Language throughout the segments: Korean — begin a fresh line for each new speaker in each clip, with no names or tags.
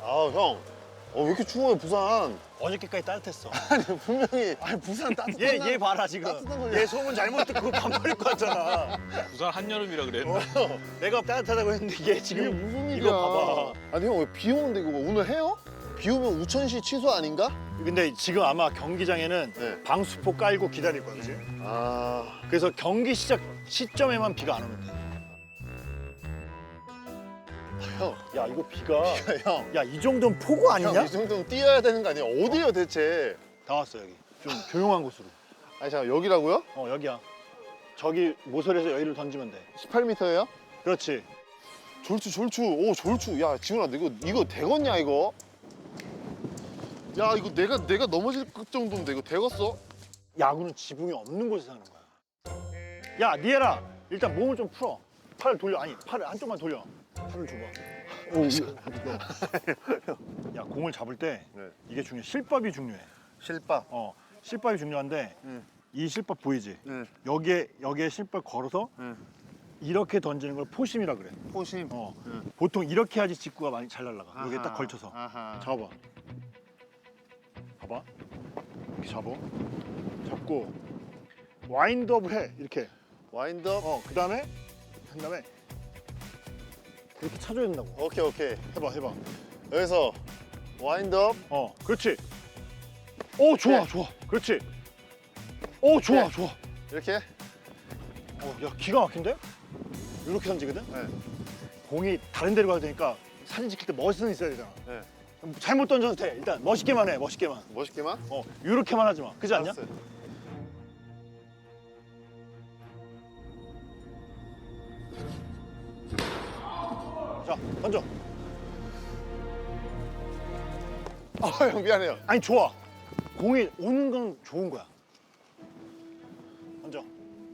아, 형. 왜 이렇게 추워요, 부산?
어저께까지 따뜻했어.
아니, 분명히. 아니, 부산 따뜻한.
얘 봐라 지금.
따뜻한 거냐?
얘 소문 잘못 듣고 반팔 입고 왔잖아.
부산 한여름이라 그랬나?
내가 따뜻하다고 했는데 얘
이게
지금
무슨 일이야?
이거 봐봐.
아니, 형, 왜 비 오는데 이거 오늘 해요? 비 오면 우천시 취소 아닌가?
근데 지금 아마 경기장에는
네.
방수포 깔고 기다릴 거야, 그지?
아.
그래서 경기 시작 시점에만 비가 안 오면 돼.
형.
야 이거 비가
형.
야 이 정도는 폭우 아니냐?
형, 이 정도면 뛰어야 되는 거 아니야? 어디요, 대체?
다 왔어 여기. 좀 조용한 곳으로.
아니, 잠깐, 여기라고요?
여기야. 저기 모서리에서 여기를 던지면 돼.
18m예요?
그렇지.
졸추. 오, 졸추. 야, 지훈아, 이거 되겠냐, 이거? 야, 이거 내가 넘어질 정도인데 이거 되겠어?
야구는 지붕이 없는 곳에서 하는 거야. 야 니에라 일단 몸을 좀 풀어. 팔을 돌려. 아니 팔을 한쪽만 돌려. 팔을 줘봐. 야 공을 잡을 때
네.
이게 중요해. 실밥이 중요해.
실밥.
실밥이 중요한데 이 실밥 보이지?
네.
여기에 실밥 걸어서 이렇게 던지는 걸 포심이라 그래.
포심.
보통 이렇게 해야지 직구가 많이 잘 날아가. 여기에 딱
아하,
걸쳐서.
아하.
잡아봐. 봐봐. 이렇게 잡아. 잡고 와인드업을 해. 이렇게.
와인드업.
그다음에 한 다음에 이렇게 차줘야 된다고.
오케이.
해봐.
여기서 와인드업.
그렇지. 오, 좋아,
네.
좋아. 그렇지. 오, 좋아,
네.
좋아.
이렇게.
야, 기가 막힌데? 이렇게 던지거든?
네.
공이 다른 데로 가도 되니까 사진 찍힐 때 멋은 있어야 되잖아.
네.
잘못 던져도 돼. 일단 멋있게만 해, 멋있게만.
멋있게만.
이렇게만 하지 마. 그지 않냐?
알았어요.
자, 던져.
형 미안해요.
아니, 좋아. 공이 오는 건 좋은 거야. 던져.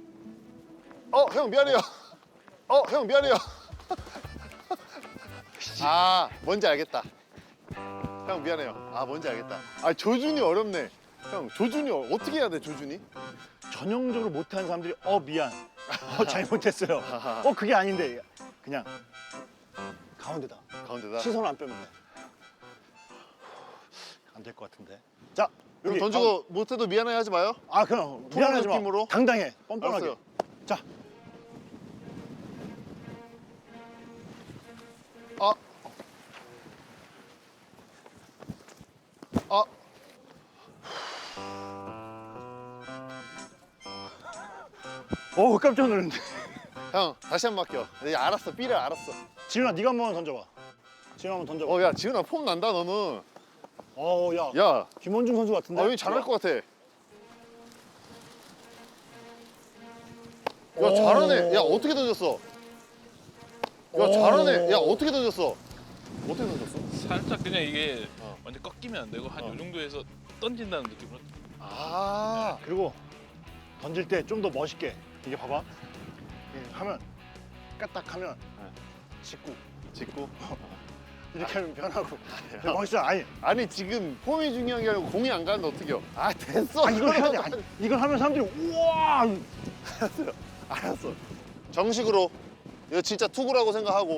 형 미안해요. 형 미안해요. 아, 뭔지 알겠다. 형 미안해요. 뭔지 알겠다. 조준이 어렵네. 형, 조준이 어떻게 해야 돼, 조준이?
전형적으로 못하는 사람들이 미안. 잘못했어요. 그게 아닌데 그냥 가운데다.
가운데다.
시선 안 빼면 돼. 안 될 것 같은데. 자,
형
여기
던지고 못해도 미안해 하지 마요.
그럼
프로
미안하지 마.
느낌으로?
당당해. 뻔뻔하게.
알았어요.
자, 깜짝 놀랐네.
형, 다시 한 번 맡겨. 알았어, 삐를 알았어.
지훈아, 네가 한번 던져봐. 지훈아 한번 던져봐.
야, 지훈아, 폼 난다, 너는.
야,
야,
김원중 선수 같은데.
여기 잘할 것 같아. 야, 잘하네. 야, 어떻게 던졌어? 야, 잘하네. 야, 어떻게 던졌어? 어떻게 던졌어?
살짝 그냥 이게
어.
완전 꺾이면 안 되고 한 요 정도에서 던진다는 느낌으로.
그리고 던질 때 좀 더 멋있게. 이게 봐봐. 이렇게 하면 까딱하면 직구.
직구.
이렇게 하면 변하고. 멋있어.
아니, 지금 폼이 중요한 게 아니고 공이 안 가는데 어떡해요? 됐어.
이걸 해야 돼. 이걸 하면 사람들이 우와.
알았어. 정식으로. 이거 진짜 투구라고 생각하고.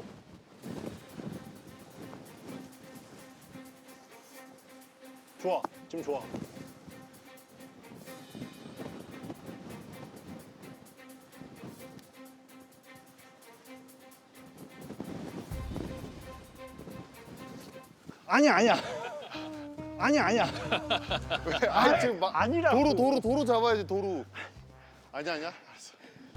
좋아. 지금 좋아. 아니야.
지금 막
아니라고.
도로 잡아야지, 도로. 아니야. 알았어.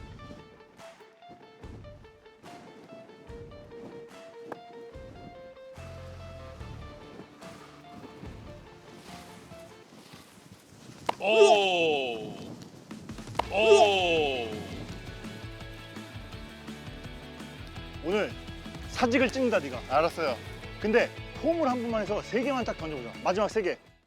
오.
오늘 사직을 찍는다 네가.
알았어요.
근데 폼을 한 번만 해서 3개만 딱 던져보자. 마지막 3개.